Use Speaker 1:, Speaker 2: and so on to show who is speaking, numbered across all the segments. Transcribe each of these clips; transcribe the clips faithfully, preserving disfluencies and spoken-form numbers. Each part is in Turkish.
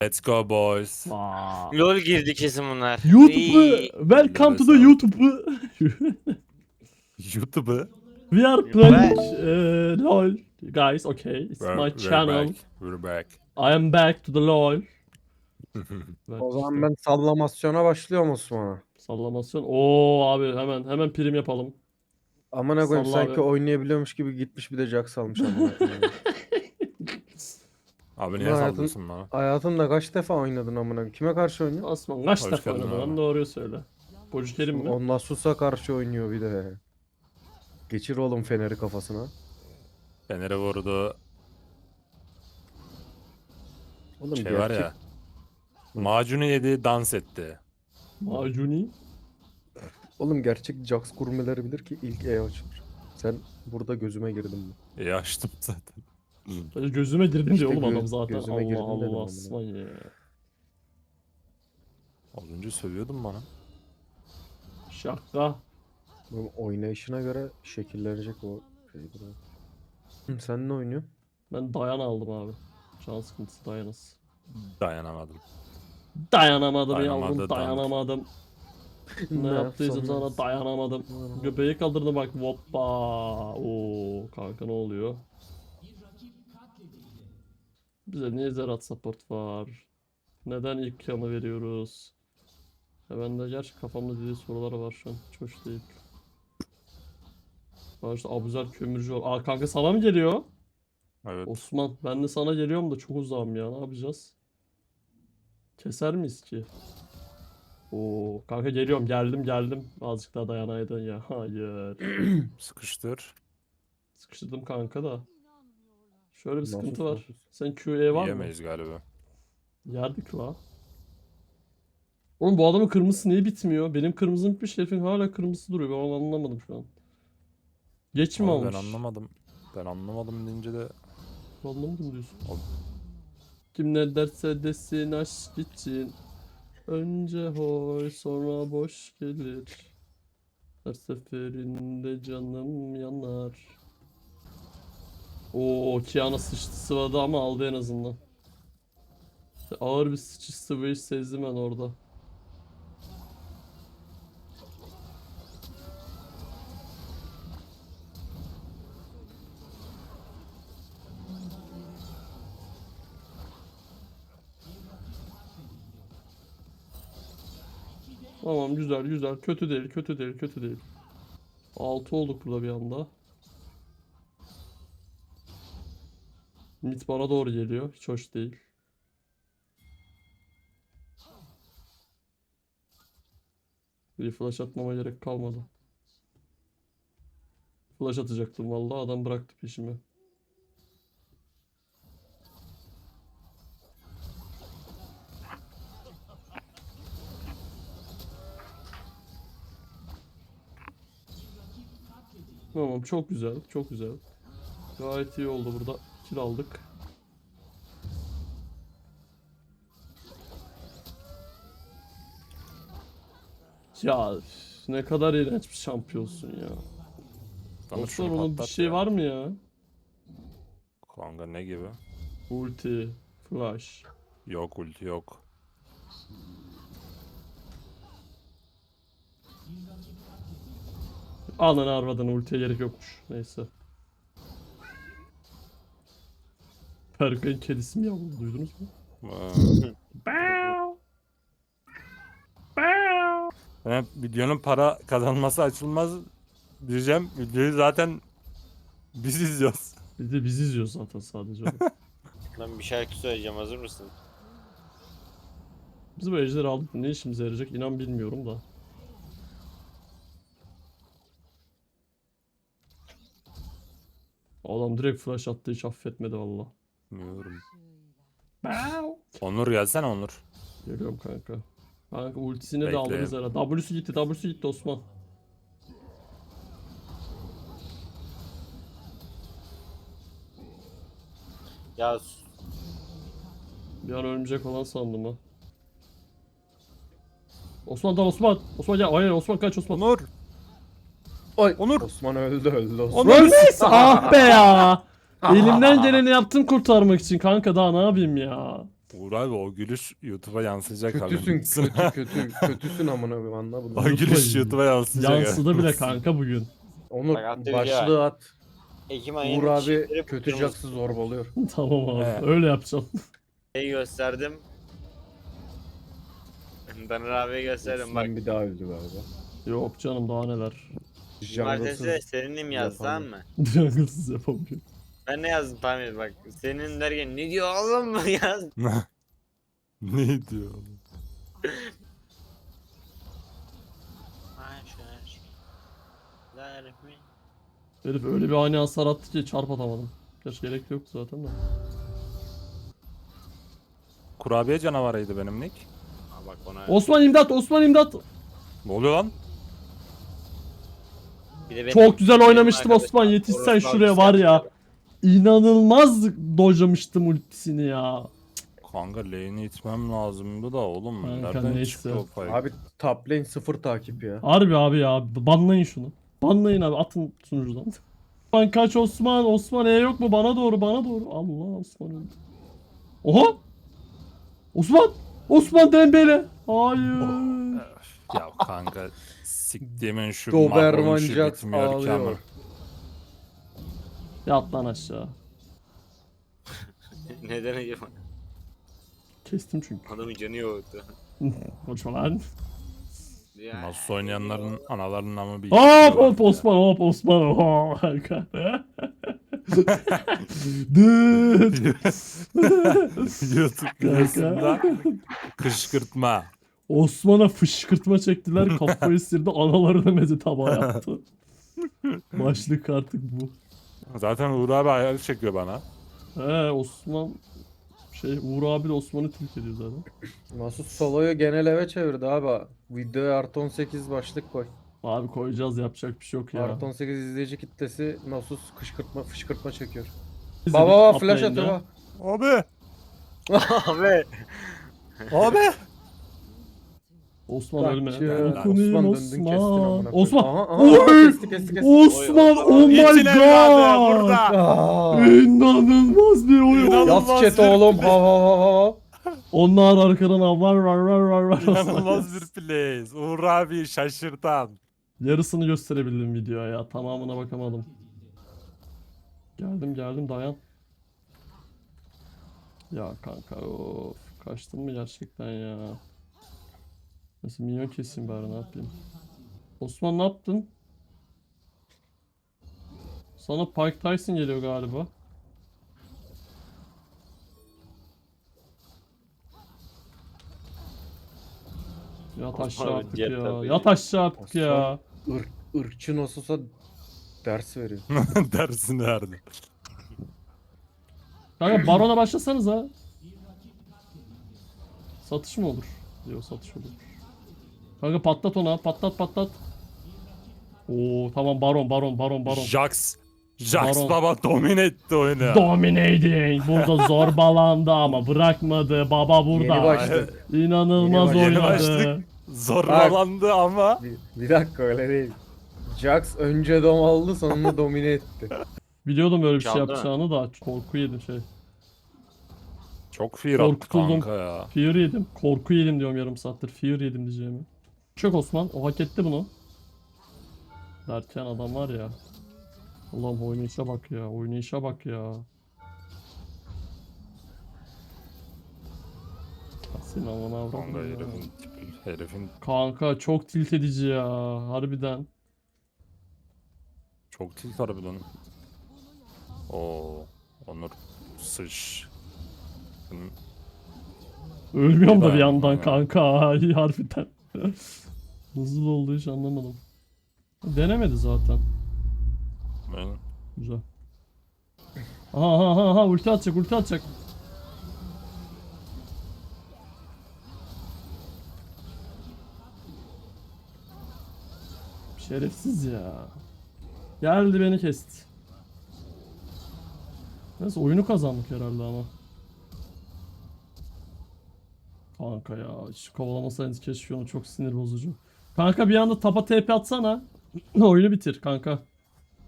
Speaker 1: Let's go boys.
Speaker 2: Aa.
Speaker 3: LOL girdi kesin bunlar.
Speaker 2: YouTube'u
Speaker 3: İyi.
Speaker 2: welcome to the
Speaker 1: Nefes al.
Speaker 2: YouTube'u.
Speaker 1: YouTube'u.
Speaker 2: We are playing uh, LOL guys. Okay, it's
Speaker 1: We're,
Speaker 2: my
Speaker 1: we're
Speaker 2: channel.
Speaker 1: back. We're back.
Speaker 2: I am back to the LOL. Bak
Speaker 4: O zaman
Speaker 2: işte,
Speaker 4: ben sallamasyona başlıyorum Osman'a.
Speaker 2: sallamasyon. Oo abi hemen hemen prim yapalım.
Speaker 4: Amına koyayım
Speaker 2: Salla
Speaker 4: sanki
Speaker 2: abi.
Speaker 4: oynayabiliyormuş gibi gitmiş bir de Jax almış amına koyayım.
Speaker 1: Abi
Speaker 4: Bunu
Speaker 1: niye
Speaker 4: hayatın-
Speaker 1: sallıyorsun bana?
Speaker 4: Hayatında kaç defa oynadın amına koyayım? Kime karşı oynuyor?
Speaker 2: Osman kaç
Speaker 1: Hoş
Speaker 2: defa
Speaker 1: geldin
Speaker 2: oynadın lan
Speaker 1: abi.
Speaker 2: doğruyu söyle. Bocikerim mi?
Speaker 4: Onunla Sus'a karşı oynuyor bir de. Geçir oğlum feneri kafasına.
Speaker 1: Fener'e vurdu.
Speaker 4: Oğlum
Speaker 1: Şey
Speaker 4: gerçek.
Speaker 1: var ya. Macunu yedi, dans etti.
Speaker 2: Macuni.
Speaker 4: Oğlum gerçek Jax gurmeleri bilir ki ilk E açılır. Sen burada gözüme girdin mi?
Speaker 1: İyi açtım zaten.
Speaker 2: Gözüme girdin
Speaker 4: İşte
Speaker 2: diyor oğlum
Speaker 4: gö-
Speaker 2: adam zaten.
Speaker 4: gözüme
Speaker 2: Allah
Speaker 4: girdin dedim
Speaker 2: Allah
Speaker 4: amına.
Speaker 2: Osman ya.
Speaker 1: Az önce sövüyordun bana.
Speaker 2: Şaka.
Speaker 4: Oğlum oynayışına göre şekillenecek o şeydir abi. Hı, sen ne oynuyorsun?
Speaker 2: Ben dayan aldım abi. Can sıkıntısı dayanız.
Speaker 1: Dayanamadım.
Speaker 2: Dayanamadım
Speaker 1: Dayanamadı,
Speaker 2: yavrum
Speaker 1: dank.
Speaker 2: dayanamadım. Ne yaptıysam sana
Speaker 4: yapsam
Speaker 2: dayanamadım. Göbeği kaldırdı bak hoppa. Oo kanka ne oluyor? Bize niye Zerat support var? Neden ilk yanı veriyoruz? Ya ben de gerçi kafamda dediği sorular var şu an. Hiç hoş değil. Var işte Abuzer kömürcü var. Aa kanka sana mı geliyor?
Speaker 1: Evet.
Speaker 2: Osman ben de sana geliyorum da çok uzağım ya ne yapacağız? Keser miyiz ki? Oo kanka geliyorum geldim geldim. Azıcık daha dayanaydın ya. Hayır.
Speaker 1: Sıkıştır.
Speaker 2: Sıkıştırdım kanka da. Şöyle bir
Speaker 4: Nasıl
Speaker 2: sıkıntı var.
Speaker 4: sıkıntı?
Speaker 2: Sen Q E var mı?
Speaker 1: Yiyemeyiz galiba.
Speaker 2: Yerdik la. Oğlum bu adamın kırmızısı niye bitmiyor? Benim kırmızım bitmiş herifin hala kırmızısı duruyor. Ben onu anlamadım şu an. Geç mi
Speaker 1: Abi
Speaker 2: olmuş?
Speaker 1: ben anlamadım. Ben anlamadım deyince de
Speaker 2: Anlamadım diyorsun.
Speaker 1: Ol-
Speaker 2: Kim ne derse desin aşk için. Önce hoy sonra boş gelir. Her seferinde canım yanar. Oo Kiana sıçtı sıvadı ama aldı en azından. Ağır bir sıçış sıvayış sezdim ben orada. Tamam güzel güzel. Kötü değil kötü değil kötü değil. altı olduk burada bir anda. Mid bana doğru geliyor. Hiç hoş değil. Bir flash atmama gerek kalmadı. Flash atacaktım vallahi adam bıraktı peşimi. Tamam çok güzel çok güzel. Gayet iyi oldu burada. Kill aldık. Ya üf, ne kadar iğrenç bir şampiyonsun ya.
Speaker 1: Tanı
Speaker 2: Osman
Speaker 1: şunu
Speaker 2: onun bir
Speaker 1: patlat
Speaker 2: şey
Speaker 1: ya.
Speaker 2: var mı ya?
Speaker 1: Kanka ne gibi?
Speaker 2: Ulti, flash.
Speaker 1: Yok ulti yok.
Speaker 2: Ananı arvadını ultiye gerek yokmuş. Neyse. Perkay'ın kedisi mi yavrum duydunuz mu?
Speaker 1: Ee,
Speaker 2: Bow! Bow!
Speaker 1: Ben hep videonun para kazanması açılmaz diyeceğim. Videoyu zaten biz izliyoruz.
Speaker 2: Biz de biz izliyoruz zaten sadece. onu.
Speaker 3: Ben bir şarkı söyleyeceğim, hazır mısın?
Speaker 2: Biz bu ejderi aldık ne işimize yarayacak inan bilmiyorum da. Adam direkt flash attı hiç affetmedi valla.
Speaker 1: Bilmiyorum.
Speaker 2: Bow!
Speaker 1: Onur gelsene Onur.
Speaker 2: Geliyorum kanka. Kanka ultisini de
Speaker 1: Bekle.
Speaker 2: aldınız herhalde. W'su gitti, W'su gitti Osman.
Speaker 3: Ya s-
Speaker 2: Bir an ölmeyecek olan sandım ha. Osman da Osman. Osman gel. Hayır Osman kaç Osman.
Speaker 1: Onur.
Speaker 4: Oy.
Speaker 1: Onur.
Speaker 4: Osman öldü öldü Osman.
Speaker 1: Onur.
Speaker 2: ah be ya. Elimden geleni yaptım kurtarmak için kanka daha ne yapayım ya.
Speaker 1: Uğur abi o gülüş YouTube'a yansıyacak
Speaker 4: Kötüsün
Speaker 1: haberin olsun.
Speaker 4: kötü kötü kötüsün amına koyayım anla
Speaker 1: O
Speaker 4: bunu.
Speaker 1: gülüş YouTube'a yansıyacak.
Speaker 2: Yansıdı
Speaker 1: haberin
Speaker 2: bile
Speaker 1: olsun.
Speaker 2: kanka bugün.
Speaker 4: Onur
Speaker 3: Bak, attığı
Speaker 4: başlığı
Speaker 3: video
Speaker 4: at.
Speaker 3: Ekim
Speaker 4: Uğur
Speaker 3: ayının
Speaker 4: abi
Speaker 3: çiçekleri
Speaker 4: kötü
Speaker 3: kırmızı.
Speaker 4: Jax'ı zorbalıyor.
Speaker 2: Tamam abi.
Speaker 1: He.
Speaker 2: Öyle yapacağım.
Speaker 3: Şeyi gösterdim. Danır abiye gösterdim bak.
Speaker 4: Osman bir daha öldü galiba.
Speaker 2: Yok canım daha neler.
Speaker 3: Cumartesi de
Speaker 4: Jungles'ız
Speaker 3: seninim yazdı tamam mı?
Speaker 2: Junglesız yapamıyor.
Speaker 3: Ben ne yazdım tahmin et bak. Senin derken ne diyor oğlum mu yaz?
Speaker 1: Ne diyor oğlum?
Speaker 2: Herif öyle bir ani hasar attı ki çarp atamadım. Gerçi gerek yoktu zaten de.
Speaker 1: Kurabiye canavarıydı benim nick.
Speaker 3: Aa, bak ona.
Speaker 2: Osman imdat! Osman imdat!
Speaker 1: Ne oluyor lan?
Speaker 3: Bir de benim-
Speaker 2: Çok güzel
Speaker 3: benim
Speaker 2: oynamıştım
Speaker 3: arkadaşım
Speaker 2: Osman. Yetişsen
Speaker 3: Orospu
Speaker 2: şuraya
Speaker 3: abisi
Speaker 2: var ya.
Speaker 3: yaptı.
Speaker 2: İnanılmaz dojlamıştım ultisini ya.
Speaker 1: Kanka lane'i itmem lazımdı da oğlum.
Speaker 2: Kanka
Speaker 1: Nereden
Speaker 2: neyse.
Speaker 1: çıktı o fight?
Speaker 4: Abi top lane sıfır takip ya.
Speaker 2: Harbi abi ya. Banlayın şunu. Banlayın abi. Atın sunucudan. Osman kaç Osman. Osman E yok mu? Bana doğru bana doğru. Allah Osman öldü. Oha. Osman. Osman Dembele. Hayır.
Speaker 1: Ya kanka siktiğimin şu
Speaker 4: Doberman
Speaker 1: mahvoluşu
Speaker 4: Jax
Speaker 1: bitmiyor ki ama.
Speaker 4: ağlıyor.
Speaker 2: Yat lan aşağı.
Speaker 3: Neden acaba?
Speaker 2: Kestim çünkü.
Speaker 3: Adamın canı yoktu.
Speaker 2: Konuşma lan.
Speaker 3: Ya,
Speaker 1: Nasıl oynayanların analarının ama bir...
Speaker 2: Hop hop Osman hop Osman hop. Kanka. Dıt.
Speaker 1: YouTube videosunda kışkırtma.
Speaker 2: Osman'a fışkırtma çektiler. Kafayı sirdi. Analarına meze tabağı yaptı. Başlık artık bu.
Speaker 1: Zaten Uğur abi hayal çekiyor bana.
Speaker 2: He Osman şey Uğur abi de Osman'ı tilt ediyor zaten.
Speaker 4: Masut Solo'yu genel eve çevirdi abi. Videoya artı on sekiz başlık koy.
Speaker 2: Abi koyacağız yapacak bir şey yok ya.
Speaker 4: Artı on sekiz izleyici kitlesi Nasus kışkırtma fışkırtma çekiyor.
Speaker 2: İzledik,
Speaker 4: Baba baba flash
Speaker 2: uplane'de.
Speaker 4: atıyor baba.
Speaker 1: Abi!
Speaker 3: Abi.
Speaker 1: Abi!
Speaker 2: Osman
Speaker 4: Bak
Speaker 2: ölme.
Speaker 4: ya,
Speaker 2: Dokunayım
Speaker 4: Osman döndün kestin
Speaker 2: Osman.
Speaker 4: amına koyayım.
Speaker 2: Osman.
Speaker 4: Aha, aha,
Speaker 2: Oy!
Speaker 4: kesti kesti kesti.
Speaker 2: Osman
Speaker 3: Oy,
Speaker 2: oh my
Speaker 1: İçin evladı
Speaker 2: god.
Speaker 1: burada!
Speaker 4: Aa,
Speaker 2: İnanılmaz bir oyun.
Speaker 1: İnanılmaz.
Speaker 4: Yaz chat oğlum ha ha ha ha.
Speaker 2: Onlar arkadan avlar var var var var.
Speaker 1: İnanılmaz bir plays. Uğur abi şaşırtan.
Speaker 2: Yarısını gösterebildim videoya ya. Tamamına bakamadım. Geldim geldim dayan. Ya kanka of. Kaçtın mı gerçekten ya? Nasıl minyon keseyim bari ne yapayım? Osman ne yaptın? Sana Pike Tyson geliyor galiba. Yat aşağı
Speaker 3: Osman
Speaker 2: artık
Speaker 3: jet
Speaker 2: ya.
Speaker 3: tabii.
Speaker 2: Yat aşağı artık ya.
Speaker 4: Irk, ırkçı Nasus'a ders veriyor.
Speaker 1: Dersini verdi.
Speaker 2: Kanka Baron'a başlasanız ha. Satış mı olur? Yok satış olur. Kanka patlat ona. Patlat patlat. Oo tamam Baron Baron Baron Baron.
Speaker 1: Jax. Jax
Speaker 2: Baron.
Speaker 1: baba domine etti oyunu.
Speaker 2: Dominating. Burada zorbalandı ama bırakmadı. Baba burada.
Speaker 4: Yeni başladı.
Speaker 2: İnanılmaz
Speaker 4: Yeni
Speaker 1: Yeni
Speaker 2: oynadı.
Speaker 1: başlık. Zorbalandı ama.
Speaker 4: Bir, bir dakika öyle değil. Jax önce dom aldı sonra domine etti.
Speaker 2: Biliyordum böyle bir şey
Speaker 3: Çaldı mı?
Speaker 2: yapacağını da korku yedim şey.
Speaker 1: Çok fear attı
Speaker 2: Korkutuldum.
Speaker 1: kanka ya.
Speaker 2: Fear yedim. Korku yedim diyorum yarım saattir. Fear yedim diyeceğimi. Çök Osman. O hak etti bunu. Derken adam var ya. Allah'ım oynayışa bak ya. Oynayışa bak ya. Senin amına
Speaker 1: Kanka
Speaker 2: avradın ya.
Speaker 1: herifin tipi. Herifin
Speaker 2: Kanka çok tilt edici ya. Harbiden.
Speaker 1: çok tilt harbiden. Oo. Onur sıç.
Speaker 2: Ölmüyorum da bir
Speaker 1: İyi
Speaker 2: yandan
Speaker 1: dayanma ya.
Speaker 2: kanka. Ay, harbiden. Nasıl oldu hiç anlamadım. Denemedi zaten.
Speaker 1: Ben
Speaker 2: Güzel. Aha aha aha, aha ulti atacak ulti atacak. Şerefsiz ya. Geldi beni kesti. Neyse oyunu kazandık herhalde ama. Kanka ya hiç kovalamasaydınız keşke onu, çok sinir bozucu. Kanka bir anda tapa T P atsana. Oyunu bitir kanka.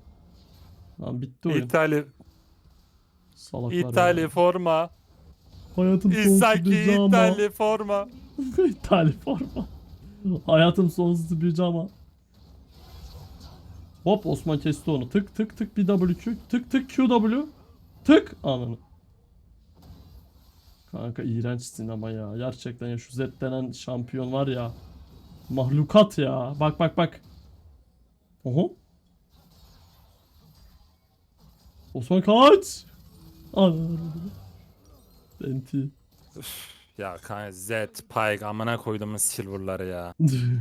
Speaker 2: Lan bitti oyun.
Speaker 1: İtali,
Speaker 2: Salaklar ya.
Speaker 1: İtali forma.
Speaker 2: Hayatım sonsuz
Speaker 1: İsaki
Speaker 2: pijama.
Speaker 1: İtalya forma.
Speaker 2: İtalya forma. Hayatım sonsuz pijama. Hop Osman kesti onu. Tık tık tık bir W Q. Tık tık Q W. Tık ananı. Kanka iğrençsin ama ya. Gerçekten ya şu Z denen şampiyon var ya. Mahlukat ya. Bak bak bak. Oho. Osman kaç. Ananı. Enti.
Speaker 1: Ya kanka Z, Pyke amına koyduğumuz silverları ya.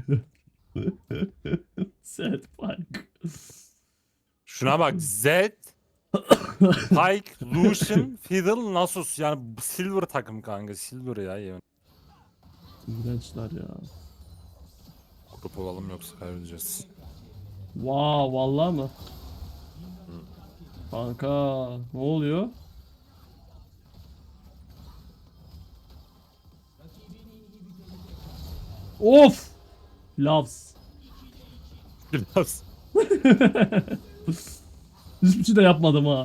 Speaker 2: Sad Pike.
Speaker 1: Şuna bak Z, Pyke, Lucian, Fiddle, Nasus. Yani bu silver takım kanka. Silver ya. yemin.
Speaker 2: İğrençler ya.
Speaker 1: Grup olalım yoksa kaybedeceğiz.
Speaker 2: Wow, vallahi mı? Kanka ne oluyor? Of! Loves.
Speaker 1: Biraz.
Speaker 2: Hiçbir şey de yapmadım ha.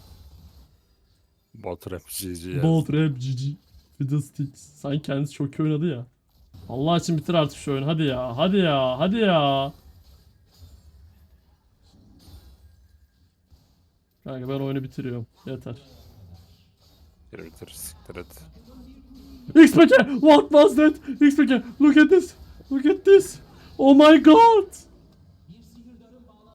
Speaker 1: Bot rap G G ya.
Speaker 2: Bolt rap G G. Fiddlesticks. Sanki kendisi çok iyi oynadı ya. Allah için bitir artık şu oyunu. Hadi ya. Hadi ya. Hadi ya. Kanka ben oyunu bitiriyorum. Yeter.
Speaker 1: Bitir bitir siktir et.
Speaker 2: X P K! What was that? X P K! Look at this! Look at this! Oh my god!